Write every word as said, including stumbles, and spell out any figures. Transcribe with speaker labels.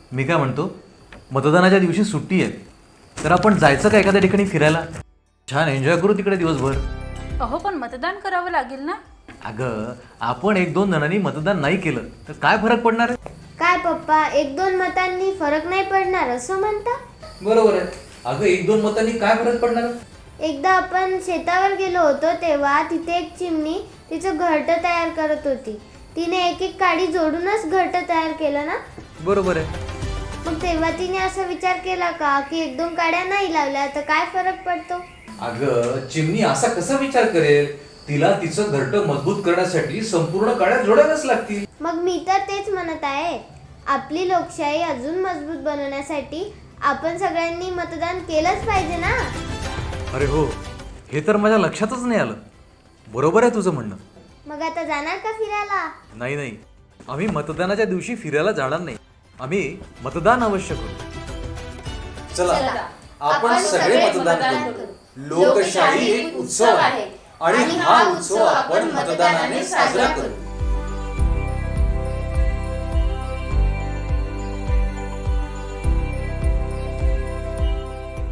Speaker 1: मी काय म्हणतो, मतदानाच्या दिवशी सुट्टी आहे, तर आपण जायचं का एखाद्या ठिकाणी फिरायला? छान एन्जॉय करू तिकडे दिवसभर.
Speaker 2: अहो पण मतदान करावं लागेल ना.
Speaker 1: अगं आपण एक दोन जणांनी मतदान नाही केलं तर काय फरक पडणार आहे?
Speaker 3: काय पप्पा, एक दोन मतांनी फरक नाही पडणार असं म्हणता?
Speaker 1: बरोबर आहे. अगं एक दोन मतांनी काय फरक पडणार?
Speaker 3: एकदा आपण शेतावर गेलो होतो तेव्हा तिथे एक चिमणी तिचं घरटं तयार करत होती. तिने एक एक काडी जोडूनच घरटं तयार केलं ना.
Speaker 1: बरोबर आहे.
Speaker 3: मग तेव्हा तिने असा विचार केला का की एक दोन काड्या नाही लावल्या तर काय फरक पडतो?
Speaker 1: अगं चिमणी असा कसा विचार करेल? तिला तिचं घरटं मजबूत करण्यासाठी संपूर्ण काड्या जोडाव्याच लागतील.
Speaker 3: मग मी तर तेच म्हणत आहे, आपली लोकशाही अजून मजबूत बनवण्यासाठी आपण सगळ्यांनी मतदान केलंच पाहिजे ना.
Speaker 1: अरे हो, हे तर माझ्या लक्षातच नाही आलं. बरोबर आहे तुझं म्हणणं.
Speaker 3: मग आता जाणार का फिरायला?
Speaker 1: नाही नाही, आम्ही मतदानाच्या दिवशी फिरायला जाणार नाही. आम्ही मतदान अवश्य करू. चला आपण सगळे मतदान करू. लोकशाही एक उत्सव आहे आणि हा उत्सव आपण मतदानाने साजरा करू.